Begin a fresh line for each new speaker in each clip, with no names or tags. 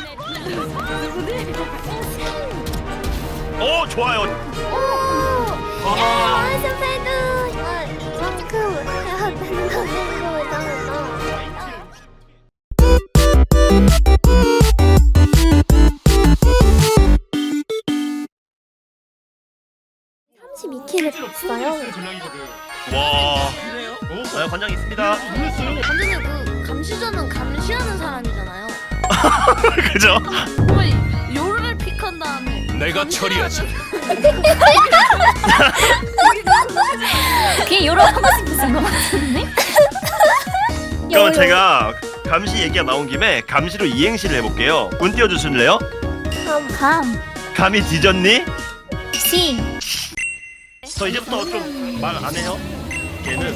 오 좋아요.
나이스 패드. 이만큼 해야 되는 거잖아. 32킬을 했어요.
와. 아, 관장 있습니다.
완전히 그 감시자는 감시하는 사람이잖아요.
그죠?
거의 요를 픽한 다음에
내가 처리하지.
그게 여러 하나씩 비싼 거 같은데?
그럼 제가 감시 얘기가 나온 김에 감시로 이행시를 해볼게요. 운 띄워주실래요?
감,
감이 뒤졌니?
시,
저 이제부터 좀 말 안 해요. 걔는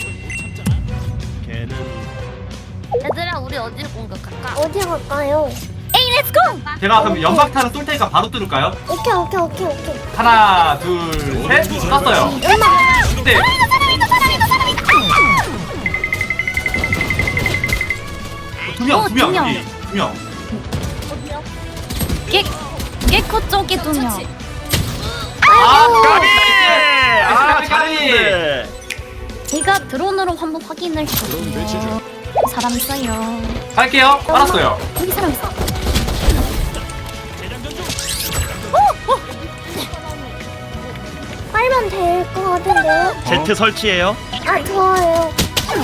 얘들아 우리 어디를 공격할까? 어디 갈까요?
에이 렛츠고!
제가 그럼 연막탄을 쏠 테니까 바로 뚫을까요?
오케이.
하나, 둘, 셋, 쐈어요. 네. 두 명.
두 명.
여기 두 명.
개코 쪽에 2명.
까비!
아,
잘했는데.
제가 드론으로 한번 확인을 해볼게요. 사람 있어요.
갈게요. 알았어요.
여기 사람 있어.
빨면 될 것 같은데요?
제트 설치해요.
아 좋아요.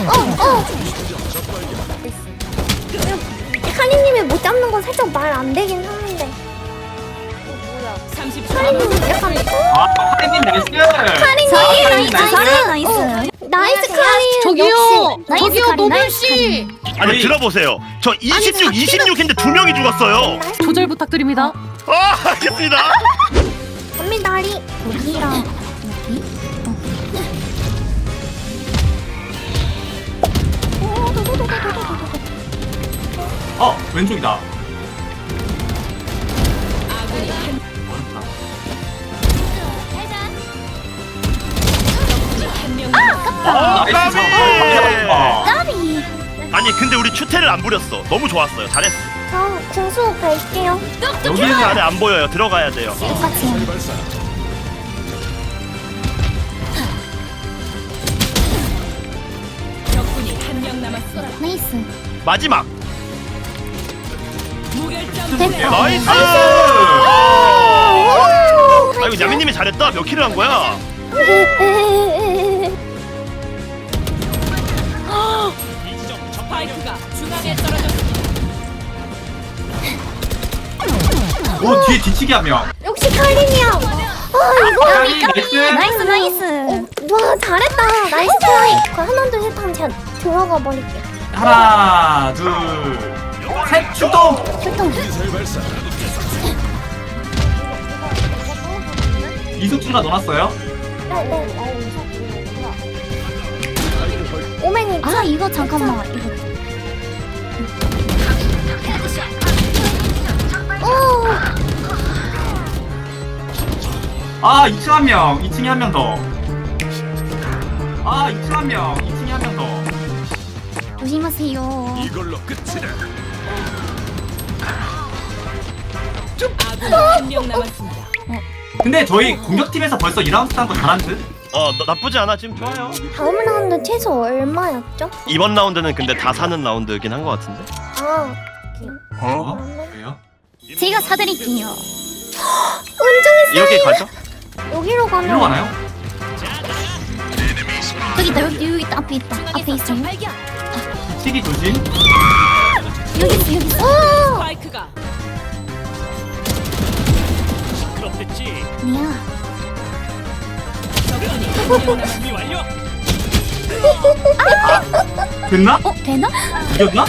카리님이 못 잡는 건 살짝 말 안 되긴 하는데. 카리님 약간
아, 하리님 나이스.
카리님
나이스.
나이스 카리.
저기요,
나이스
저기요,
카리,
노벨
나이스
씨.
아니
저희-
들어보세요. 저 26인데 2명이 죽었어요.
조절 부탁드립니다.
아 알겠습니다.
갑니다 하리.
여기랑 여기.
왼쪽이다. 나이스.
까비!
까비.
아니 근데 우리 추태를 안 부렸어. 너무 좋았어요. 잘했어.
저 중수 갈게요.
여기는
안에 안 보여요. 들어가야 돼요.
똑같이. 나이스.
마지막.
됐다.
나이스. 아 이거 야미님이 잘했다. 몇 킬을 한 거야?
오, 뒤에 뒤치기 한 명.
역시 카리님. 이거
하리 나이스.
나이스.
와 잘했다. 나이스 트라이. 그 하나 둘 셋 하면 제가 들어가 버릴게요.
하나, 둘, 셋, 출동.
출동.
이숙주가 넣어놨어요.
네. 오맨이
아 이거 잠깐만. 이거
아, 2층 한 명, 2층에 한 명 더. 아, 2층 한 명, 2층에 한 명 더.
조심하세요.
이걸로 끝이다.
근데 저희 공격팀에서 벌써 2라운드 딴거 잘한 듯?
나쁘지 않아. 지금 좋아요.
다음 라운드 최소 얼마였죠?
이번 라운드는 근데 다 사는 라운드긴 한 것 같은데.
아
왜요?
제가 사드릴게요.
은정이
이렇게 가죠?
여기로
일로
가면
가나요?
여기 있다. 여기 있다. 앞에 있다. 앞에 있어요.
치기 조심.
여기 있어. 여기 있어.
그렇겠지.
아니야.
준비 완료.
됐나?
되나?
이겼나?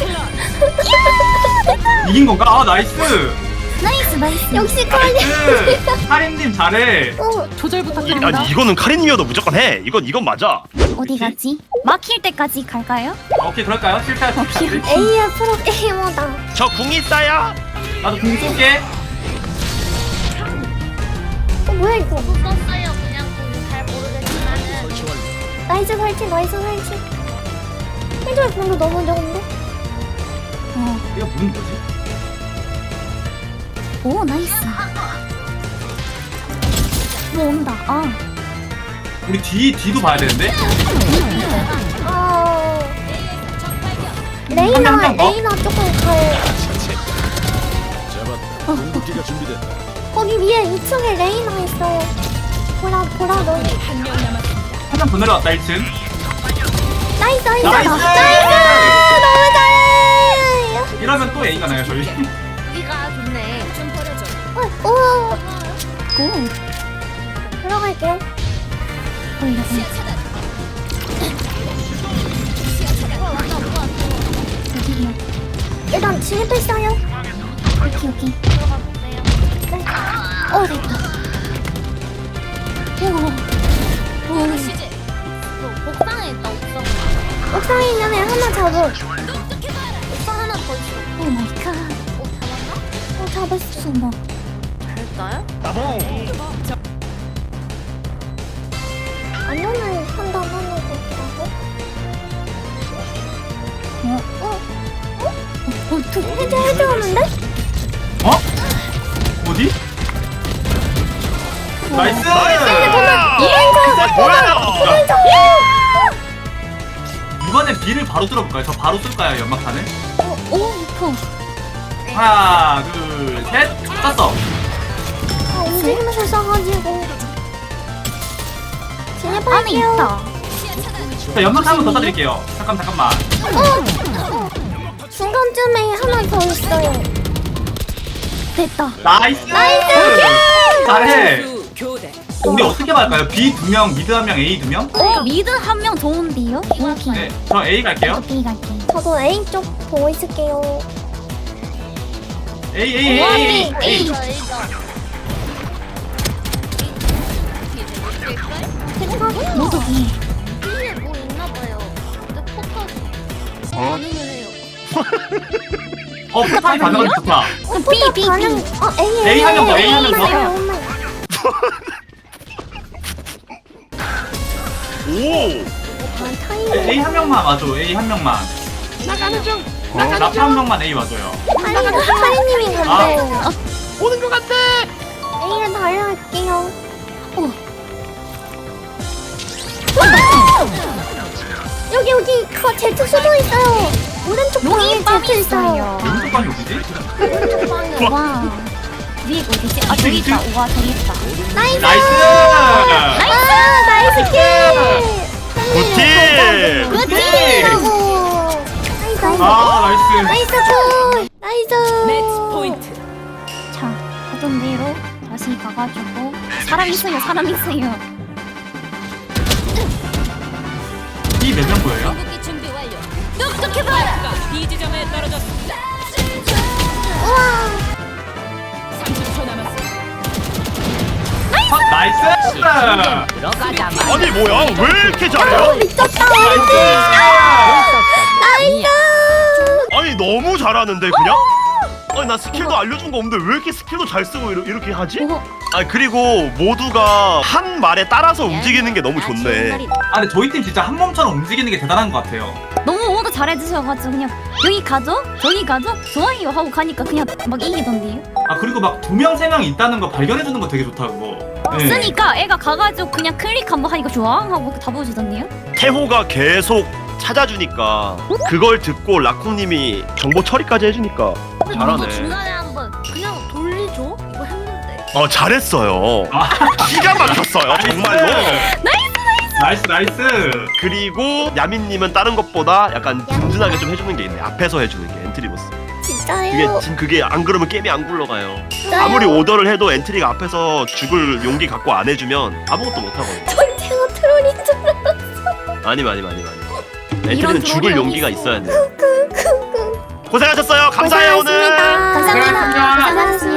이긴 건가? 아, 나이스.
나이스.
역시 카리.
나이스. 하림님 잘해.
조절 부탁드립니다.
아니 이거는 카린님이어도 무조건 해. 이건 맞아.
어디 갔지? 막힐 때까지 갈까요?
오케이, 그럴까요? 실패할 수 있다.
AR 프로 게이머다.
저 궁 있어요.
나도 공 쏠게.
뭐야 이거?
썼어요. 그냥 잘 모르겠지만은
나이스 설치. 해줘야 방금 너무 좋은데?
어.
이거 무슨 거지?
오 나이스. 뭐 온다. 아
우리 뒤도 봐야 되는데.
레이나
한 명 더?
레이나 조금 가요.
잡았다. 궁극기가 준비됐다.
거기 위에 2층에 레이나 있어요. 보라 너.
한 명 더 내려왔다 1층.
나이스 나이스
나이스!
너무 잘해.
이러면 또 A가 나요 저희.
우리가 좋네. 좀 버려줘.
오
오.
들어갈게요.
올려. 여기요.
일단 진입했어요.
여기.
들어가 볼게요.
됐다. 오.
시제. 옥상에 있다 옥상.
옥상에 있는 애 하나 잡음.
옥상 하나 더 있어.
오 마이 갓.
잡았나?
잡았어.
수모.
될까요?
안전을 판단하는 거라고? 해제하는데?
어? 어디? 나이스!
뭐야?
이번엔 B를 바로 뚫어볼까요? 저 바로 쏠까요 연막탄을?
오 이뻐.
하나 둘셋 쐈어.
아, 움직이면서 써가지고.
안에
진입할게요.
있다.
자 연막탄 한번 더 쏴드릴게요. 잠깐만.
중간쯤에 하나 더 있어요.
됐다.
나이스! 잘해! 우리 어떻게 할까요? B 2명, 미드 1명, A 2명?
오 미드 한 명 좋은데요? 오케이.
네, 저 A 갈게요.
오케이 갈게.
저도 A 쪽 보고 있을게요.
A.
A죠 A죠.
모독이.
B에 뭐 있나봐요. 근데 포탑 반응을 해요.
포탑이 반응은 좋다.
B.
반응.
A 한명 더, A 한명 더.
오.
A 한 명만 와줘. A 한 명만.
나가는 중.
라프 한 명만 A 와줘요.
하리님이 간대.
오는 것 같아.
A를 달려갈게요. 여기 제트 수도 있어요. 오른쪽
여기
방에
빵이
제트 있어요.
있어요.
오른쪽 방이 어디지?
와. 위에 어디지? 아 저기 있다. 와 저기 있다.
나이스.
나이스!
나이스 킬.
굿팀.
굿팀이라고. 나이스.
아, 나이스.
나이스 굿. 나이스.
자 하던 대로 다시 가가지고 사람 있어요.
B 몇 명 보여요?
궁극기 준비 완료. 똑똑해 봐라. B 지점에 떨어졌습니다.
우와.
30초 남았어.
나이스!
아니 뭐야? 왜 이렇게 잘해요?
미쳤다. 나이스.
아니 너무 잘하는데 그냥? 아니 나 스킬도 알려준 거 없는데 왜 이렇게 스킬도 잘 쓰고 이렇게 하지?
오.
아 그리고 모두가 한 말에 따라서 움직이는 게 너무 좋네.
아, 근데 저희 팀 진짜 한 몸처럼 움직이는 게 대단한 것 같아요.
너무 모두 잘해주셔가지고 그냥 여기 가죠? 저기 가죠? 좋아요 하고 가니까 그냥 막 이기던데요?
아, 그리고 막 2명, 3명 있다는 거 발견해주는 거 되게 좋다, 그거. 네.
쓰니까 애가 가가지고 그냥 클릭 한번 하니까 좋아 하고 다 보여주던데요?
태호가 계속 찾아주니까 그걸 듣고 라콩님이 정보 처리까지 해주니까
이거
잘하네.
중간에 한번 그냥 돌리죠? 이거 했는데.
잘했어요.
아,
기가 막혔어요 정말로.
나이스.
그리고 야민님은 다른 것보다 약간 든든하게 좀 해주는 게 있네. 앞에서 해주는 게 엔트리보스.
진짜요?
그게 안 그러면 게임이 안 굴러가요.
진짜요?
아무리 오더를 해도 엔트리가 앞에서 죽을 용기 갖고 안 해주면 아무것도 못 하거든요.
전체가 트롤인 줄 알았어.
아니. 엔트리는 죽을
트롤이
용기가
어디 있어?
있어야 돼. 고생하셨어요. 감사해요 오늘.
감사합니다.
감사합니다.
감사합니다.